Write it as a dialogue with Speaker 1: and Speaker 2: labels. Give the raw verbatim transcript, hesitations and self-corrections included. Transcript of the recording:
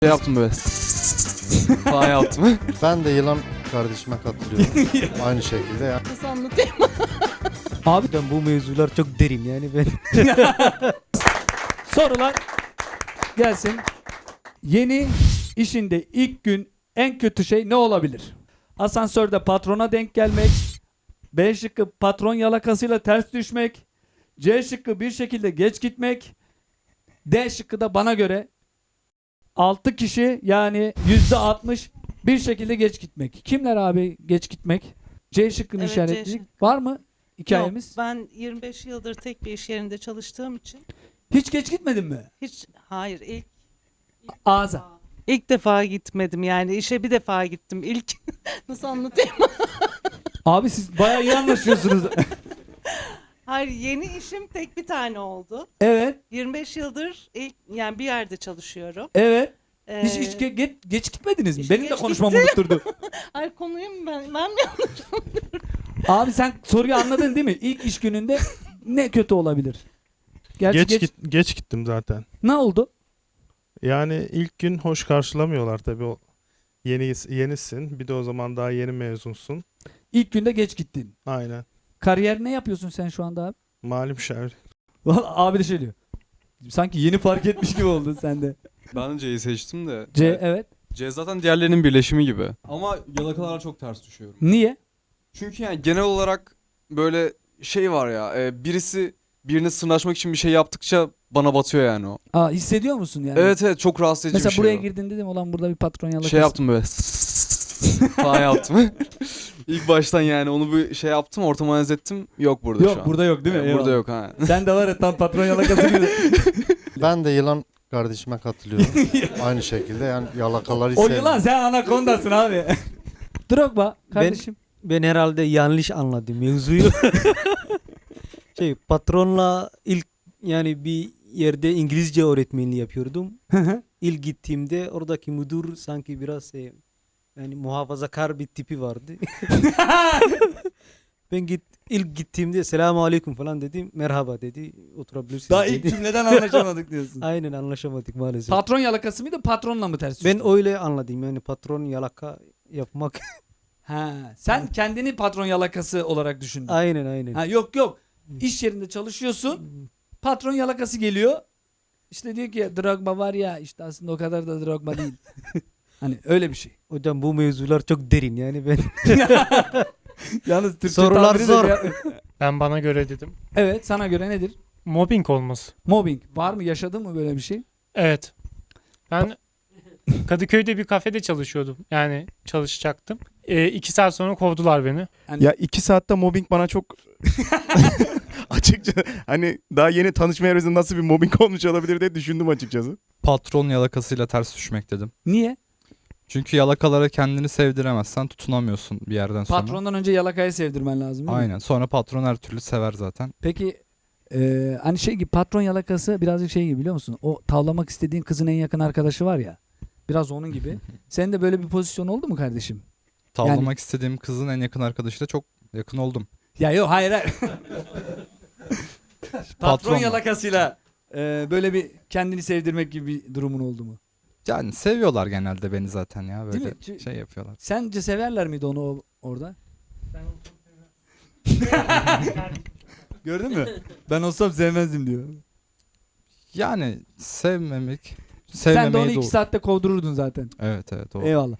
Speaker 1: Şey yaptım böyle. Falan yaptım.
Speaker 2: Ben de yılan kardeşime katılıyorum. Aynı şekilde yani.
Speaker 3: Nasıl anlatayım?
Speaker 4: Abi ben bu mevzular çok derin yani ben.
Speaker 5: Sorular gelsin. Yeni işinde ilk gün en kötü şey ne olabilir? Asansörde patrona denk gelmek. B şıkkı patron yalakasıyla ters düşmek. C şıkkı bir şekilde geç gitmek. D şıkkı da bana göre altı kişi yani yüzde altmış bir şekilde geç gitmek. Kimler abi geç gitmek? C şıkkını
Speaker 3: Evet, C
Speaker 5: işaretledik.
Speaker 3: şıkkı.
Speaker 5: Var mı hikayemiz?
Speaker 3: Yok, ben yirmi beş yıldır tek bir iş yerinde çalıştığım için
Speaker 5: Hiç geç gitmedin mi?
Speaker 3: hiç hayır ilk
Speaker 5: Ağza.
Speaker 3: ilk defa gitmedim yani işe bir defa gittim ilk. Nasıl anlatayım?
Speaker 5: Abi siz bayağı iyi anlaşıyorsunuz.
Speaker 3: Hayır, yeni işim tek bir tane oldu.
Speaker 5: Evet,
Speaker 3: yirmi beş yıldır ilk yani bir yerde çalışıyorum.
Speaker 5: evet.
Speaker 3: Ee,
Speaker 5: Hiç, hiç ge- geç, geç gitmediniz mi?
Speaker 3: işte
Speaker 5: Benim de
Speaker 3: geç
Speaker 5: konuşmamı
Speaker 3: gittim.
Speaker 5: unutturdu.
Speaker 3: Hayır, konuyu mu ben, ben mi yanlış?
Speaker 5: Abi sen soruyu anladın değil mi? İlk iş gününde ne kötü olabilir? Gerçi
Speaker 6: Geç,
Speaker 5: geç,
Speaker 6: git, geç gittim zaten.
Speaker 5: ne oldu?
Speaker 6: Yani ilk gün hoş karşılamıyorlar tabii o yeni yenisin. Bir de o zaman daha yeni mezunsun.
Speaker 5: İlk günde geç gittin.
Speaker 6: Aynen.
Speaker 5: Kariyer ne yapıyorsun sen şu anda abi?
Speaker 6: Mali müşavir.
Speaker 5: Vallahi abi de şey diyor. Sanki yeni fark etmiş gibi oldun sen de.
Speaker 1: Ben de C'yi seçtim de.
Speaker 5: C
Speaker 1: Evet.
Speaker 5: evet.
Speaker 1: C zaten diğerlerinin birleşimi gibi. Ama yalakalara çok ters düşüyorum.
Speaker 5: Niye?
Speaker 1: Çünkü yani genel olarak böyle şey var ya. E, birisi birine sırnaşmak için bir şey yaptıkça bana batıyor yani o.
Speaker 5: Aa, hissediyor musun yani?
Speaker 1: Evet evet çok rahatsız edici
Speaker 5: Mesela
Speaker 1: bir şey
Speaker 5: buraya
Speaker 1: o.
Speaker 5: girdin dedim olan burada bir patron yalakası.
Speaker 1: Şey yaptım böyle. Falan yaptım. İlk baştan yani onu bir şey yaptım, ortamı analiz ettim. Yok burada
Speaker 5: Yok
Speaker 1: şu an.
Speaker 5: burada yok değil mi?
Speaker 1: Evet, burada
Speaker 5: Eyvallah.
Speaker 1: yok ha.
Speaker 5: Sen de var ya tam patron yalakası gibi.
Speaker 2: Ben de yılan kardeşime katılıyorum. Aynı şekilde yani yalakaları
Speaker 5: O
Speaker 2: sevmiyorum.
Speaker 5: yılan sen anakondasın abi. Drogba kardeşim.
Speaker 4: Ben herhalde yanlış anladım mevzuyu. Şey patronla ilk yani bir yerde İngilizce öğretmenliği yapıyordum. İlk gittiğimde oradaki müdür sanki biraz e, yani muhafazakar bir tipi vardı. Ben git ilk gittiğimde selamun aleyküm falan dedim. Merhaba dedi. Oturabilirsiniz
Speaker 5: Daha
Speaker 4: dedi.
Speaker 5: ilk cümleden anlaşamadık diyorsun.
Speaker 4: Aynen anlaşamadık maalesef.
Speaker 5: Patron yalakası mıydı patronla mı ters
Speaker 4: Ben
Speaker 5: düştün?
Speaker 4: öyle anladım yani patron yalaka yapmak.
Speaker 5: Ha, sen kendini patron yalakası olarak düşündün.
Speaker 4: Aynen aynen.
Speaker 5: Ha, yok yok. İş yerinde çalışıyorsun. Patron yalakası geliyor. İşte diyor ki Drogba var ya işte aslında o kadar da Drogba değil. Hani öyle bir şey.
Speaker 4: Hocam bu mevzular çok derin yani ben.
Speaker 5: Yalnız Türkçe
Speaker 4: Sorular
Speaker 5: tabiri de
Speaker 4: zor.
Speaker 5: bir-
Speaker 7: Ben bana göre dedim.
Speaker 5: Evet sana göre nedir?
Speaker 7: Mobbing olması.
Speaker 5: Mobbing. Var mı yaşadın mı böyle bir şey?
Speaker 7: Evet. Ben Kadıköy'de bir kafede çalışıyordum. Yani çalışacaktım. E, iki saat sonra kovdular beni.
Speaker 5: Yani
Speaker 8: Ya iki saatte mobbing bana çok açıkça hani daha yeni tanışmaya rağmen nasıl bir mobbing olmuş olabilir diye düşündüm açıkçası.
Speaker 9: Patron yalakasıyla ters düşmek dedim.
Speaker 5: niye?
Speaker 9: Çünkü yalakalara kendini sevdiremezsen tutunamıyorsun bir yerden sonra.
Speaker 5: Patrondan önce yalakayı sevdirmen lazım değil mi?
Speaker 9: Aynen. Sonra patron her türlü sever zaten.
Speaker 5: Peki e, hani şey gibi patron yalakası birazcık şey gibi biliyor musun? O tavlamak istediğin kızın en yakın arkadaşı var ya. Biraz onun gibi. Senin de böyle bir pozisyon oldu mu kardeşim?
Speaker 9: Tavlamak
Speaker 5: Yani-
Speaker 9: istediğim kızın en yakın arkadaşıyla çok yakın oldum.
Speaker 5: Ya yok hayır hayır. Patron
Speaker 9: Patronla.
Speaker 5: yalakasıyla e, böyle bir kendini sevdirmek gibi bir durumun oldu mu?
Speaker 9: Yani seviyorlar genelde beni zaten ya
Speaker 5: Değil
Speaker 9: böyle
Speaker 5: mi? Ç-
Speaker 9: şey yapıyorlar.
Speaker 5: Sence severler miydi onu o- orada? Gördün mü? Ben olsam sevmezdim diyor.
Speaker 9: Yani sevmemek,
Speaker 5: Sen de onu
Speaker 9: sevmemeyi
Speaker 5: iki
Speaker 9: de
Speaker 5: saatte kovdururdun zaten.
Speaker 9: Evet evet o.
Speaker 5: Eyvallah.